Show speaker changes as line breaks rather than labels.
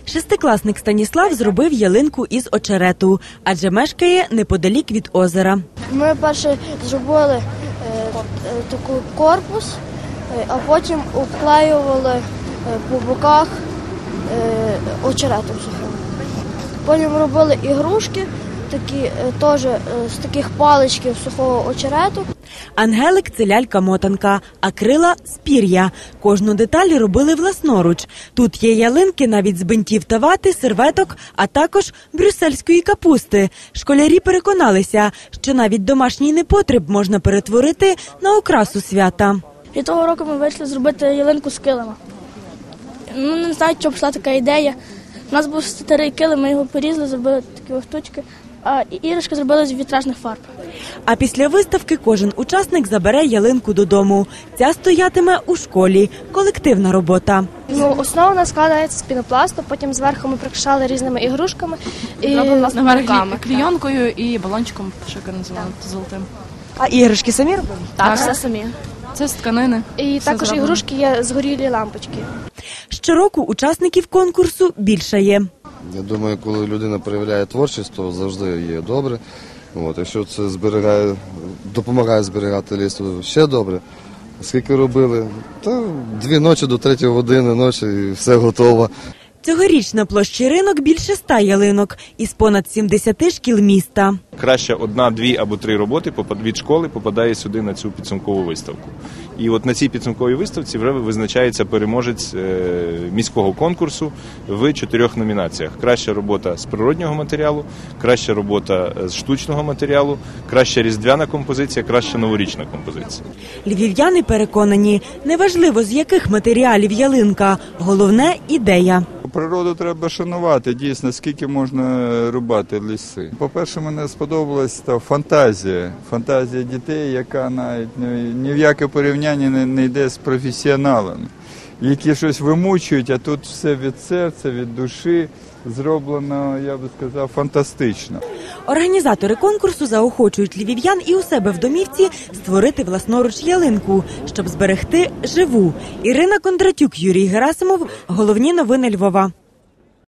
Шестикласник Станіслав зробив ялинку із очерету, адже мешкає неподалік від озера.
Ми перше зробили такий корпус, а потім обклеювали по боках очеретом сухим. Потім робили ігрушки, такі теж з таких паличків сухого очерету.
Ангелик – це лялька-мотанка, а крила – з пір'я. Кожну деталь робили власноруч. Тут є ялинки навіть з бинтів та вати, серветок, а також брюссельської капусти. Школярі переконалися, що навіть домашній непотріб можна перетворити на окрасу свята.
І того року ми вирішили зробити ялинку з килима. Не знаю, чому пішла така ідея. У нас був старий килим, ми його порізали, зробили такі штучки, а іграшки зробили з вітражних фарб.
А після виставки кожен учасник забере ялинку додому. Ця стоятиме у школі. Колективна робота.
Основа у нас складається з пінопласту, потім зверху ми прикрашали різними ігрушками і
руками. Клійонкою і балончиком, що називали, золотим.
А іграшки самі робили?
Так, все самі.
Це з тканини.
І також ігрушки є згорілі лампочки.
Щороку учасників конкурсу більшає.
Я думаю, коли людина проявляє творчість, то завжди є добре. Якщо це допомагає зберігати ліс, то ще добре. Скільки робили? Та 2 ночі до 3 години ночі і все готово.
Цьогоріч на площі Ринок більше 100 ялинок із понад 70 шкіл міста.
Краще 1, 2 або 3 роботи від школи попадає сюди на цю підсумкову виставку. І от на цій підсумковій виставці вже визначається переможець міського конкурсу в 4 номінаціях. Краща робота з природнього матеріалу, краща робота з штучного матеріалу, краща різдвяна композиція, краща новорічна композиція.
Львів'яни переконані, неважливо з яких матеріалів ялинка, головне – ідея.
Природу треба шанувати, дійсно, скільки можна рубати ліси. По-перше, мені сподобалась та фантазія дітей, яка навіть ні в яке порівняння не йде з професіоналами, які щось вимучують, а тут все від серця, від душі зроблено, я би сказав, фантастично.
Організатори конкурсу заохочують львів'ян і у себе в домівці створити власноруч ялинку, щоб зберегти живу. Ірина Кондратюк, Юрій Герасимов. Головні новини Львова.